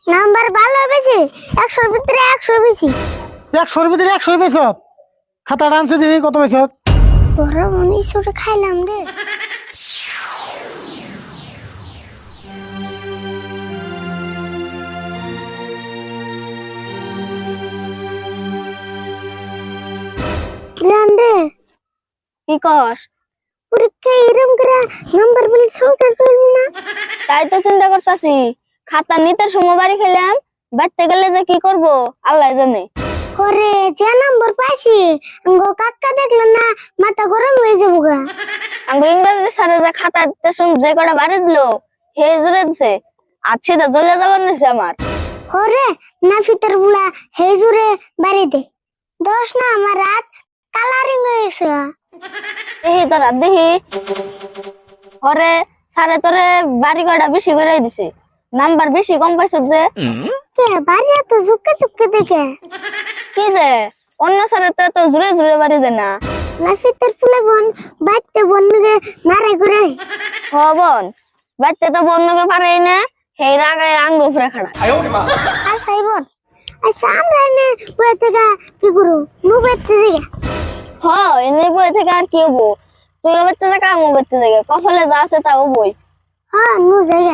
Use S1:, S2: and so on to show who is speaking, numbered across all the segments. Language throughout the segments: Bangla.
S1: নাম্বার ভালো বেশি 100 ভিতরে 100 বেশি।
S2: 100 ভিতরে 100 পেয়েছ? খাতাটা আনছো দেখি কত পেয়েছ?
S1: তোরা মনে সুরে খাইলাম রে। রে
S3: কি কস?
S1: পরীক্ষা এরম করে নাম্বার বলে সংসার চলবে না।
S3: তাই তো চিন্তা করতেছি, খাতা নিতে সময় বাড়ি খেলাম, বাড়তে গেলে যে কি করব আল্লাহ জানে।
S1: ওরে যে নাম্বার পাইছি গো কাকা দেখলেন না মাথা গরম হয়ে যাবো গা।
S3: আমি ইংরেজি স্যারে যে খাতা দিতে সময় যে কটা বাড়ি দিল হে জুড়ে দিছে, আর সেটা জ্বলে যাবার নিছে আমার।
S1: ওরে না ফিতর বুলা হে জুরে বাড়ি দে দোষ না আমার রাত কালারিং হয়েছে।
S3: দেখি তোরা দেখি, ওরে স্যারে তোরে বাড়ি কয়টা বেশি করে দিছে, নাম্বার বেশি কম পাইছ যে।
S1: কে বাড়ি এত ঝুঁকে ঝুঁকে দেখে
S3: কি যে অন্য স্যারে তো এত জুড়ে জুড়ে বাড়ি দে না।
S1: না ফিতর ফুলে বন বাইতে বন্যকে নারে করে।
S3: হ বোন, বাড়তে তো বন্যকে পারেই না, সেই রাগে আঙ্গ উপরে খাড়া।
S1: আচ্ছা বোন, আচ্ছা আমরা এনে বই থেকে কি করু নু বাইতে জিগা।
S3: হ এনে বই থেকে আর কি হবো, তুইও বেরতে থেকে আমিও বেরতে থেকে, কপালে যা আছে তাও বই।
S1: হ্যাঁ নু জায়গা।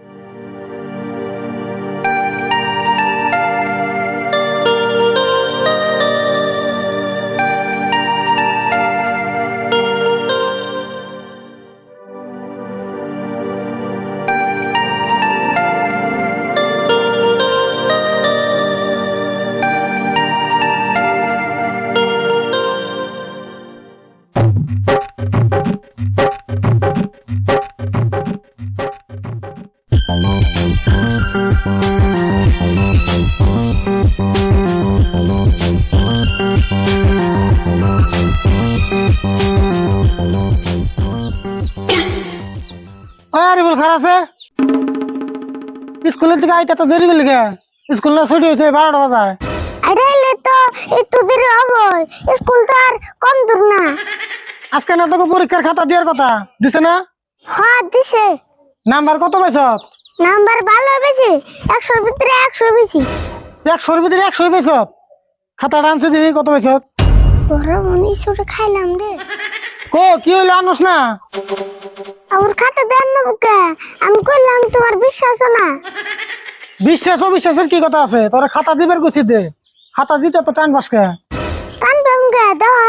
S2: আরে বল খারাপ আছে স্কুলের থেকে আইতে তো দেরি করলি কে? স্কুল না ছুটি হয়েছে 12টা বাজায়।
S1: আইলে তো একটু দেরি হবে, স্কুল তো আর কম দূর না।
S2: আজকে না তোকে পরীক্ষার খাতা দেওয়ার কথা দিছে না?
S1: হ্যাঁ দিছে।
S2: নাম্বার কত পাইছ?
S1: নাম্বার ভালো বেশি 100 ভিতরে 100 বেশি।
S2: 100 ভিতরে 100 পেয়েছ? খাতাটা আনছো দেখি কত পাইছ?
S1: তোরা মনে সুরে খাইলাম রে।
S2: কি হইলো আনস না?
S1: আমার খাতা দেন না বুকে, আমি কইলাম তোমার বিশ্বাস না।
S2: বিশ্বাস অবিশ্বাসের কি কথা আছে? তোরা খাতা দিবার গুছি দে, খাতা দিতে তো টান বাসকে।
S1: কান বামগে দাও।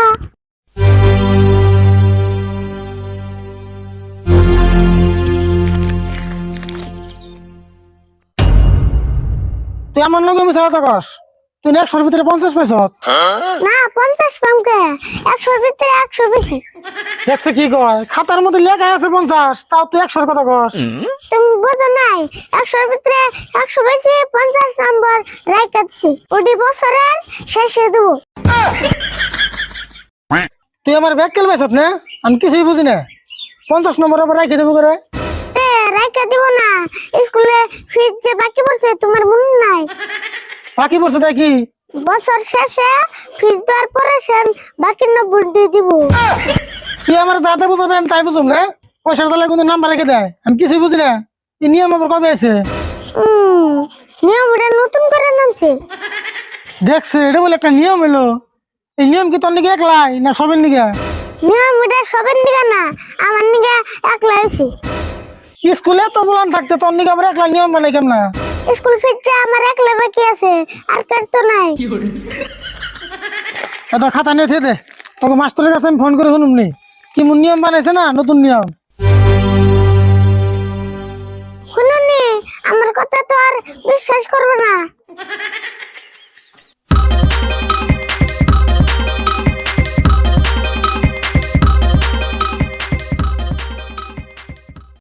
S2: তুই আমার লগে মিছা কথা কস? তুই 100 ভিতরে 50 পাইছ?
S1: না 50 পামগে, 100 ভিতরে 100 বেশি।
S2: দেখছে কি কয়? খাতার মধ্যে লেখা আছে 50, তাও তুই 100 কথা কস?
S1: তুমি বুঝো নাই 100 ভিতরে 100 বেশি 50 নাম্বার রাইখা দিছি, ওডি বছরের শেষে দেব।
S2: তুই আমার ব্যাগ কেল পাইছ না? আমি কিছুই বুঝি না। 50 নম্বর আবার রাখি দেবো করে?
S1: রাইখা দিব না, স্কুলে ফিস যে বাকি পড়ছে তোমার মনে নাই?
S2: বাকি পড়ছে তাই কি?
S1: বছর শেষে ফিস দেওয়ার পরে সেন বাকি 90 দিয়ে দিব।
S2: তুই আমার যাতে বুঝাবে আমি তাই বুঝুম না? পয়সার তালে কিন্তু নাম্বার রেখে দেয়, আমি কিছুই বুঝি না। এই নিয়ম আবার কবে আছে?
S1: নিয়মটা নতুন করে নামছে।
S2: দেখছে এটা বলে একটা নিয়ম এলো। এই নিয়ম কি তোর নিকে একলাই না সবের নিকে?
S1: নিয়মটা সবের নিগা না, আমার নিগা একলা হইছে।
S2: স্কুলে তো বলান থাকতে তোর নিকে আবার একলা নিয়ম মানে কেমন?
S1: স্কুল ফিরছে আমার একলা বাকি আছে, আর কার তো নাই।
S2: এটা খাতা নিয়ে থে দে, তোকে মাস্টারের কাছে আমি ফোন করে শুনুম নি কি মন নিয়ম বানাইছে না নতুন নিয়ম।
S1: শুনুনি আমার কথা তো আর বিশ্বাস করবে না।